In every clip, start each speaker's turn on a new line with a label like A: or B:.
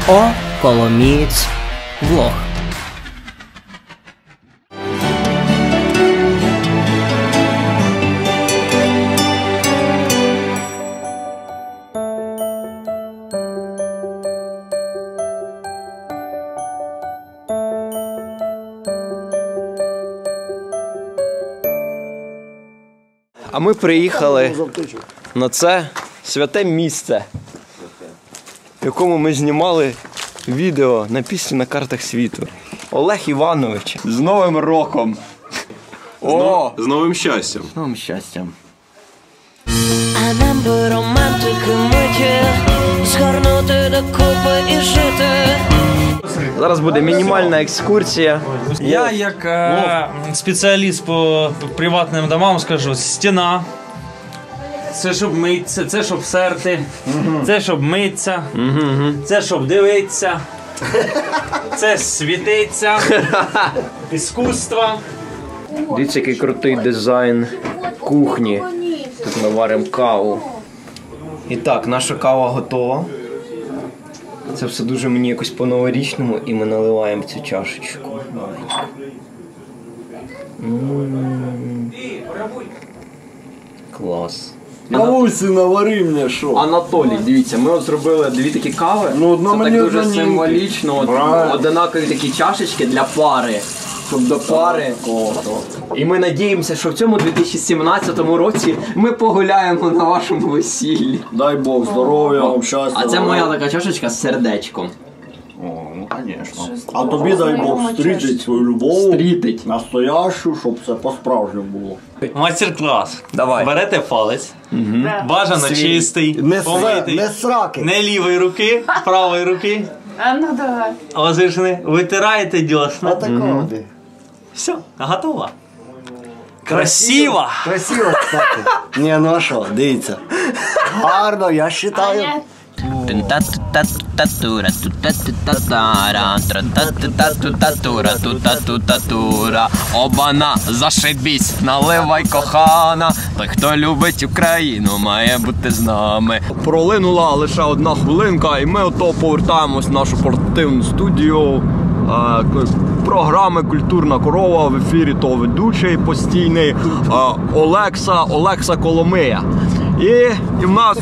A: О Коломієць влог.
B: А ми приїхали на це святе місце, в якому ми знімали відео на пісню на картах світу. Олег Іванович, з Новим роком! О!
C: З новим щастям!
B: З новим щастям!
D: А нам би романтики миті, згорнути докупи і жити.
B: Зараз буде мінімальна екскурсія.
E: Я як спеціаліст по приватним домам скажу: стіна. Це щоб митися, це щоб серти, це щоб митися, це щоб дивитися, це світиться, іскусство.
B: Дивіться, який крутий дизайн кухні. Тут ми варимо каву. І так, наша кава готова. Це все дуже мені якось по-новорічному, і ми наливаємо цю чашечку. Клас.
C: Навуйся, навари мені, що?
B: Анатолій, дивіться, ми от зробили дві такі кави.
C: Ну, одна
B: це
C: мені,
B: так дуже
C: одна ні.
B: символічно. Одинакові такі чашечки для пари. Щоб до пари. І ми надіємося, що в цьому 2017 році ми погуляємо на вашому весіллі.
C: Дай Бог здоров'я, вам щастя.
B: А це моя така чашечка з сердечком.
C: О, ну, звісно. А тобі дай Бог стрітить свою любов.
B: Стрітить.
C: Настоящу, щоб це по-справжньому було.
E: Мастер-клас.
B: Давай.
E: Берете палець, бажано чистий, помитий,
C: Не сраки.
E: не лівої руки, правої руки.
F: А ну давай.
E: Воздушний. Витираєте дьосна.
C: Такого.
E: Все, готово. Красиво!
C: Красиво, кстати. Ні, ну а що, дивіться. Гарно, я вважаю.
B: Обана, зашибісь, наливай, кохана. Той, хто любить Україну, має бути з нами. Пролинула лише одна хвилинка, і ми ото повертаємось в нашу портативну студію. Програми «Культурна корова», в ефірі то ведучий постійний Олекса Коломия. І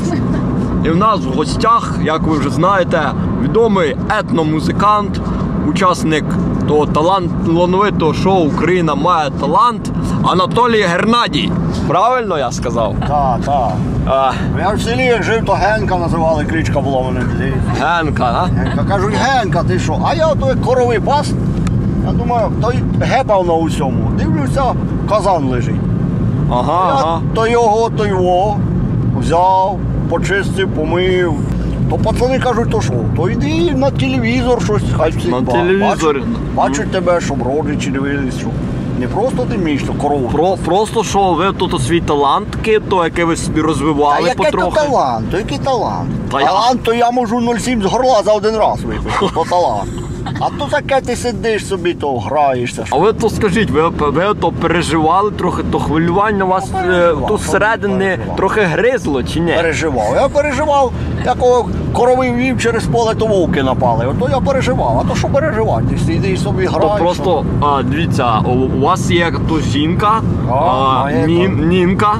B: в нас в гостях, як ви вже знаєте, відомий етномузикант, учасник того талановитого шоу «Україна має талант» Анатолій Гернадій. Правильно я сказав?
C: Так. Я в селі як жив, то Генка називали, кличка була в мене.
B: Генка, а?
C: Генка. Кажуть, Генка, ти що? А я ото коровий пас. Я думаю, той гепав на усьому. Дивлюся, казан лежить.
B: Ага.
C: То його, то його взяв, почистив, помив. То пацани кажуть, то що? То йди на телевізор щось, хай всіх
B: На телевізор.
C: Бачать тебе, щоб родичі дивились, що не просто ти вмієш, то корову.
B: Просто що ви тут свій талант, то який ви собі розвивали
C: який
B: потрохи.
C: то талант, то який талант?
B: Та
C: Талант, то я можу 0,7 з горла за один раз випити, то талант. А то таке ти сидиш собі, то граєшся.
B: А ви то скажіть, ви то переживали трохи, то хвилювання вас тут зсередини трохи гризло чи ні?
C: Переживав. Я переживав, якого корови вів через поле, то вовки напали. Ото я переживав. А то що переживати? Ти сидиш собі граєш.
B: То просто, дивіться, у вас є тут жінка,
C: має
B: Нінка.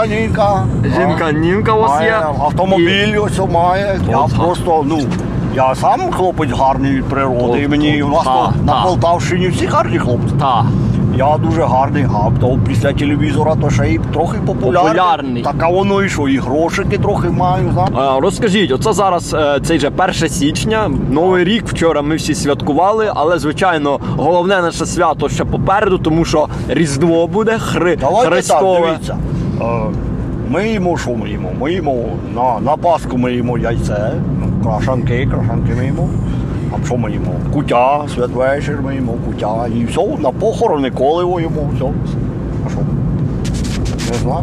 C: Жінка
B: Нінка у вас є.
C: Автомобіль ось має. Я просто, я сам хлопець гарний від природи. І мені у нас на Полтавщині всі гарні хлопці.
B: Так.
C: Я дуже гарний, то після телевізора то ще й трохи популярний. Так, а воно і що, і грошики трохи маю, знаєш.
B: Розкажіть, оце зараз, цей же 1 січня, Новий рік, вчора ми всі святкували, але, звичайно, головне наше свято ще попереду, тому що Різдво буде, Христове.
C: Так, дивіться. Ми їмо, що ми їмо? Ми їмо, на Пасху ми їмо яйце, крашанки ми їмо. А що ми їмо? Куття, святвечір ми їмо, куття. І все, на похорони коливо їмо, все. А що? Не знаю.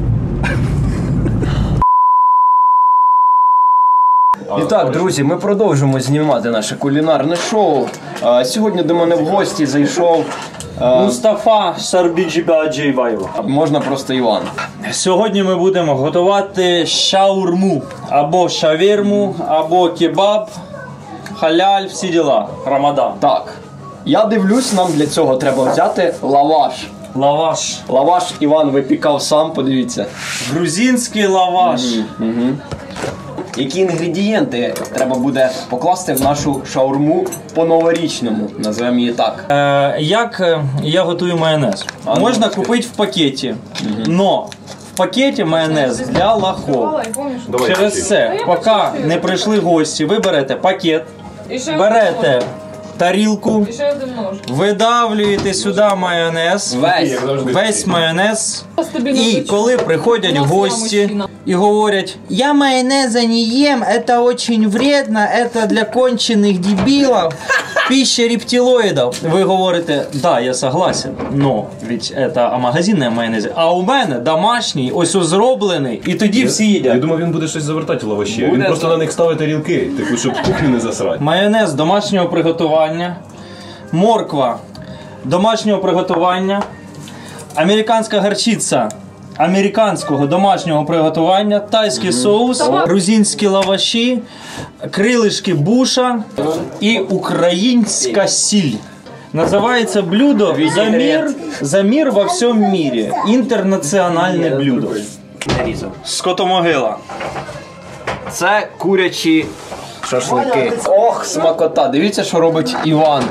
B: І так, друзі, ми продовжуємо знімати наше кулінарне шоу. Сьогодні до мене в гості зайшов
E: Мустафа Сарбіджібаджієва.
B: Можна просто Іван.
E: Сьогодні ми будемо готувати шаурму, або шавірму, або кебаб. халяль, всі діла. Рамадан.
B: Так. Я дивлюсь, нам для цього треба взяти лаваш.
E: Лаваш.
B: Лаваш Іван випікав сам, подивіться.
E: Грузинський лаваш.
B: Які інгредієнти треба буде покласти в нашу шаурму по-новорічному, називаємо її так.
E: Як я готую майонез? Можна купити в пакеті, но в пакеті майонез для лохов. Через це, поки не прийшли гості, ви берете пакет, берете тарілку, видавлюєте сюди майонез, весь майонез. І коли приходять гості і говорять: я майонеза не ем, это очень вредно, это для кончених дебилов, пища рептилоїдів. Ви говорите: да, я согласен, но ведь это магазинне майонез, а у мене домашній, ось зроблений, і тоді всі їдять.
F: Я думав, він буде щось завертати в лаваші. Він просто на них ставить тарілки, типу, щоб кухню не засрати.
E: Майонез домашнього приготування, морква домашнього приготування, американська горчиця американського домашнього приготування, тайський соус, грузинські лаваші, крилишки буша і українська сіль. Називається блюдо «За мир во всьому мірі». Інтернаціональне блюдо. Скотомогила.
B: Це курячі шашлики. Ох, смакота. Дивіться, що робить Іван.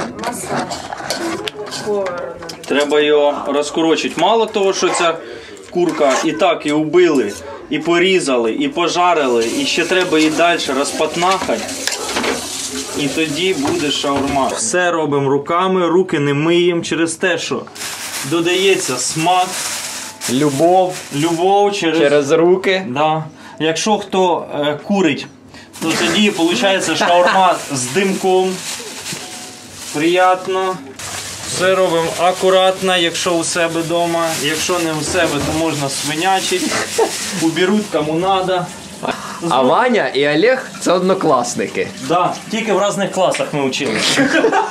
E: Треба його розкорочити. Мало того, що ця курка і так і убили, і порізали, і пожарили, і ще треба її далі розпатнахати. І тоді буде шаурма. Все робимо руками, руки не миємо через те, що додається смак, любов через
B: руки.
E: Да. Якщо хто курить, то тоді виходить шаурма з димком. Приємно. Все робимо акуратно, якщо у себе вдома. Якщо не у себе, то можна свинячити. Уберуть кому треба.
B: А Ваня і Олег – це однокласники.
E: Да, тільки в різних класах ми вчилися.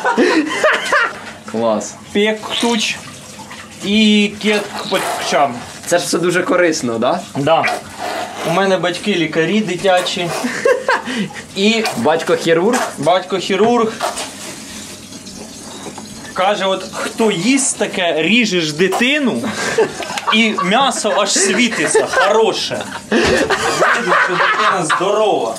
B: Клас.
E: Пектуч і кеткпочам.
B: Це ж все дуже корисно, так?
E: Да. У мене батьки лікарі дитячі. І
B: Батько хірург.
E: батько хірург. Каже, от хто їсть таке, ріжеш дитину і м'ясо аж світиться, хороше. Видно, що дитина здорова.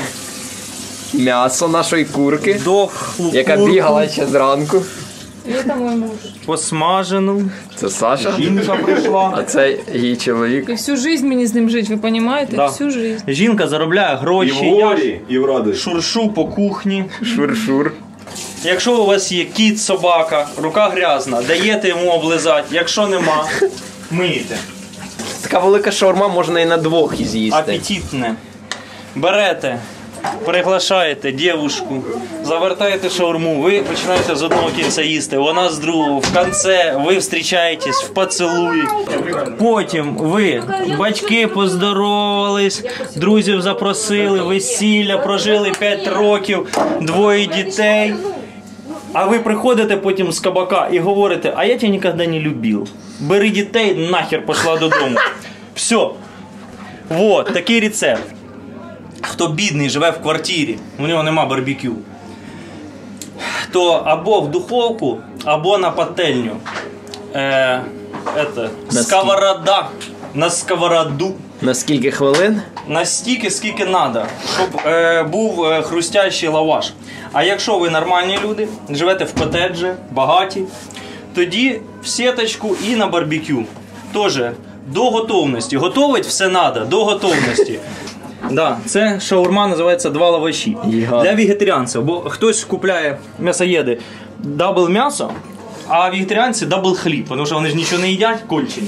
B: М'ясо нашої курки,
E: Дохлу
B: яка
E: курку
B: бігала ще зранку.
G: Это мой муж.
E: посмажену.
B: Це Саша.
E: Жінка прийшла.
B: А це її чоловік.
G: И всю жизнь мне с ним жить, вы понимаете?
E: Да.
G: Всю жизнь.
E: Жінка заробляє
F: І в
E: гроші. Я
F: горі, і в радості.
E: шуршу по кухні.
B: Шур-шур.
E: Якщо у вас є кіт, собака, рука грязна, даєте йому облизати. Якщо нема, миєте.
B: Така велика шаурма можна і на двох з'їсти.
E: Апетитне. Берете, приглашаєте дівушку, завертаєте шаурму, ви починаєте з одного кінця їсти, вона з другого. В кінці ви зустрічаєтесь в поцілуї. Потім ви, батьки, поздоровались, друзів запросили, весілля, прожили 5 років, 2 дітей. А ви приходите потім з кабака і говорите: а я тебе ніколи не любив. Бери дітей, нахер пішла додому. Все. Вот, такий рецепт. Хто бідний, живе в квартирі, у нього нема барбекю, то або в духовку, або на пательню. Сковорода. На сковороду.
B: На скільки хвилин?
E: Настільки, скільки треба, щоб був хрустящий лаваш. А якщо ви нормальні люди, живете в котеджі, багаті, тоді в сіточку і на барбекю. Тоже до готовності. Готовить все треба, до готовності. Да, це шаурма називається 2 лаваші. Для вегетаріанців, бо хтось купляє м'ясоєди дабл м'ясо, а вегетаріанці дабл хліб, тому що вони ж нічого не їдять, кончені.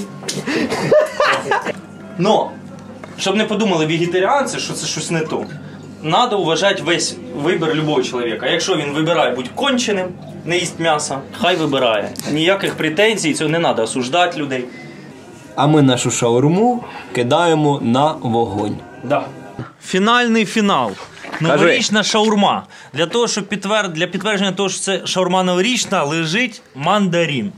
E: Но, щоб не подумали вегетаріанці, що це щось не то, треба вважати весь вибір любого чоловіка. Якщо він вибирає бути конченим, не їсть м'ясо, хай вибирає. Ніяких претензій, цього не треба осуждати людей.
A: А ми нашу шаурму кидаємо на вогонь.
E: Да. Фінальний фінал. Новорічна шаурма. Для того, щоб для підтвердження того, що це шаурма новорічна, лежить мандарин.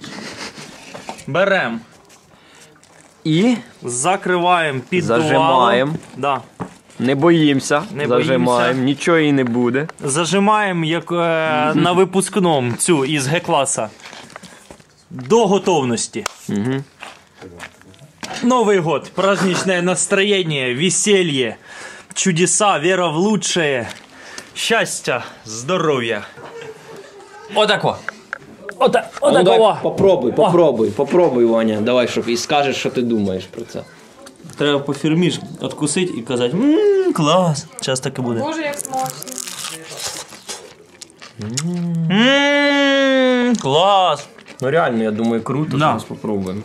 E: Беремо
B: І
E: закриваємо, піддуваємо.
B: Зажимаємо.
E: Да.
B: Не боїмося,
E: Не
B: зажимаємо,
E: боїмося.
B: нічого і не буде.
E: Зажимаємо, як на випускному цю із Г-класа. До готовності. Новый год, праздничное настроение, веселье, чудеса, вера в лучшее, счастья, здоровья. Отако. Отако.
B: Попробуй, Ваня. Давай, щоб і скажеш, що ти думаєш про це.
E: Треба по фірміш откусити і казати, клас. Зараз так і буде.
G: Боже, як смачно.
E: Клас.
B: Ну реально, я думаю, круто,
E: Да.
B: зараз попробуємо.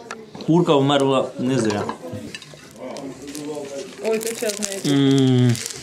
E: Курка вмерла не зря.
G: Ой, ти чесний.